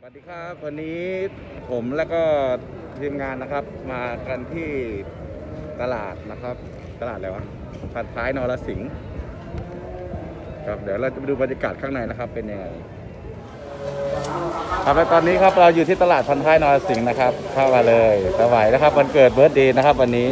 วัสดีครับวันนี้ผมแล้วก็ทีมงานนะครับมากันที่ตลาดนะครับตลาดอะไรวะผัดท้ายนรสิงห์ครับเดี๋ยวเราจะไปดูบรรยากาศข้างในนะครับเป็นยังไงครับและตอนนี้ครับเราอยู่ที่ตลาดพันท้ายนรสิงห์นะครับเข้ามาเลยสวัยนะครับวันเกิดเบิร์ธเดย์นะครับวันนี้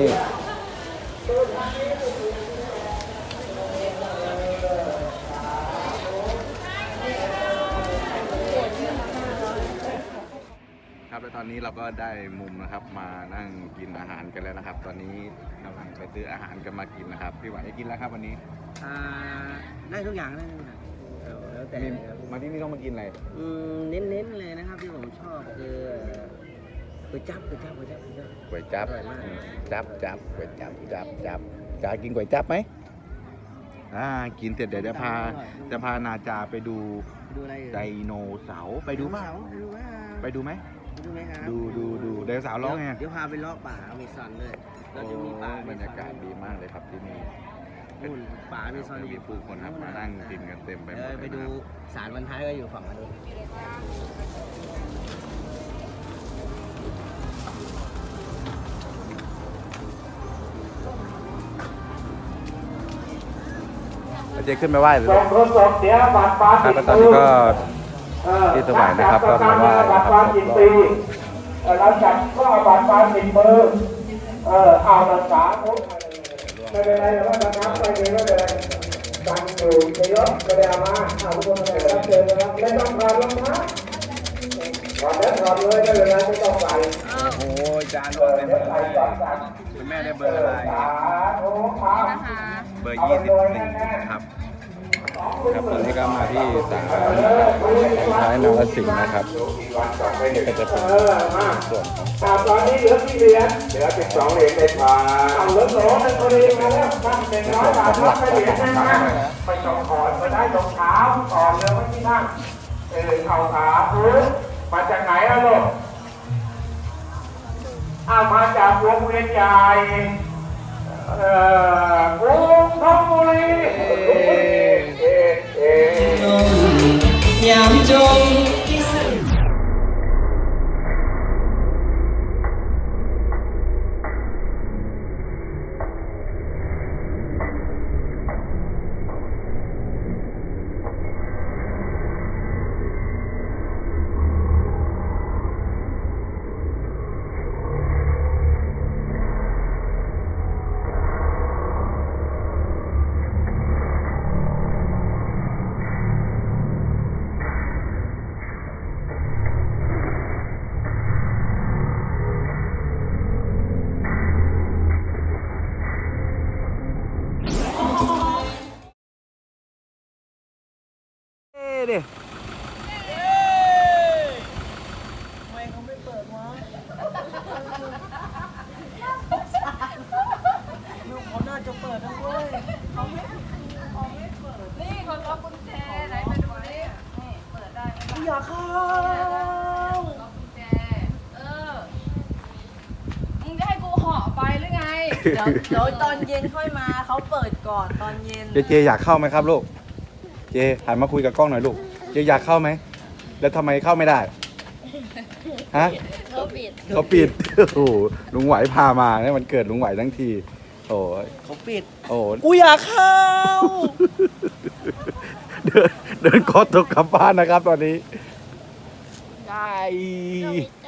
ครับและตอนนี้เราก็ได้มุมนะครับมานั่งกินอาหารกันแล้วนะครับตอนนี้กำลังไปซื้ออาหารกันมากินนะครับพี่หวายได้กินแล้วครับวันนี้ได้ทุกอย่างได้ทุกอย่างแล้วแต่มาที่นี่ต้องมากินอะไรเน้นๆเลยนะครับที่ผมชอบคือก๋วยจั๊บก๋วยจั๊บอร่อยมากจับก๋วยจั๊บจะกินก๋วยจั๊บไหมกินเสร็จเดี๋ยวจะพานาจาไปดูดูอะไรไดโนเสาร์ไปดูป่ะไปดูไหมดูไหมครับดูไดโนเสาร์ร้องไงเดี๋ยวพาไปเลาะป่าอเมซอนเลยเราจะมีป่าบรรยากาศดีมากเลยครับที่นี่นู่นป่าอเมซอนมีผู้คนครับมานั่งกินกันเต็มไปหมดไปดูศาลวันท้ายก็อยู่ฝั่งนู้นเจ๊ขึ้นไปไหว้เลยส่งทดสอบเสียบัตรปาครับติแล้วตอนนี้ก็ที่สวายนะครับก็มาไหว้บันะตรคปารับติปีเราจัดก็เอาบัตรปาติมือเอารักษาทุกไม่เป็นไรหรอกว่าจะนับไปเลยก็เลยตั้งอยู่เยอะๆก็ได้เอามาเอาทุกคนมารับเชิญนะครับไม่ต้องถอดรองเท้าถอดแล้วถอดเลยไม่เป็นไรไม่ต้องใส่โอ้ยจานบอกเลยเดี๋ยวใส่ก่อนกันคุณแม่ได้เบอร์อะไรสาธุครับเบอร์21นะครับครับตอนนี้ก็มาที่ศาลท้ายนรสิงห์นะครับนี่ก็จะเป็นส่วนของตอนนี้เหลือกี่เหรียญเหลือ12เหรียญในพานเอาเหลือ2ในตัวเองมาแล้วตั้งเป็น100 บาทรับไปเหรียญนึงนะไม่ต้องถอดก็ได้รองเท้าก่อนเลยไม่ที่นั่งเข่าขามาจากไหนอะลูกมาจากวงเวียนใหญ่กรุงธนบุรียามจงดิทำไมเขาไม่เปิดวะลูกเขาน่าจะเปิดนะเว้ยนี่เขาล็อกกุญแจไหนไปดูดินี่เปิดได้ไหมล่ะอยากเข้าล็อกกุญแจมึงจะให้กูห่อไปหรือไงเดี๋ยวตอนเย็นค่อยมาเขาเปิดก่อนตอนเย็นเจอยากเข้าไหมครับลูกเจหันมาคุยกับกล้องหน่อยลูกเจอยากเข้าไหมแล้วทำไมเข้าไม่ได้ฮะเขาปิดโอ้โหลุงไหวพามาเนี่ยมันเกิดลุงไหวทั้งทีโอ้ยเขาปิดโอ้กูอยากเข้าเดินคอตกกลับบ้านนะครับตอนนี้ได้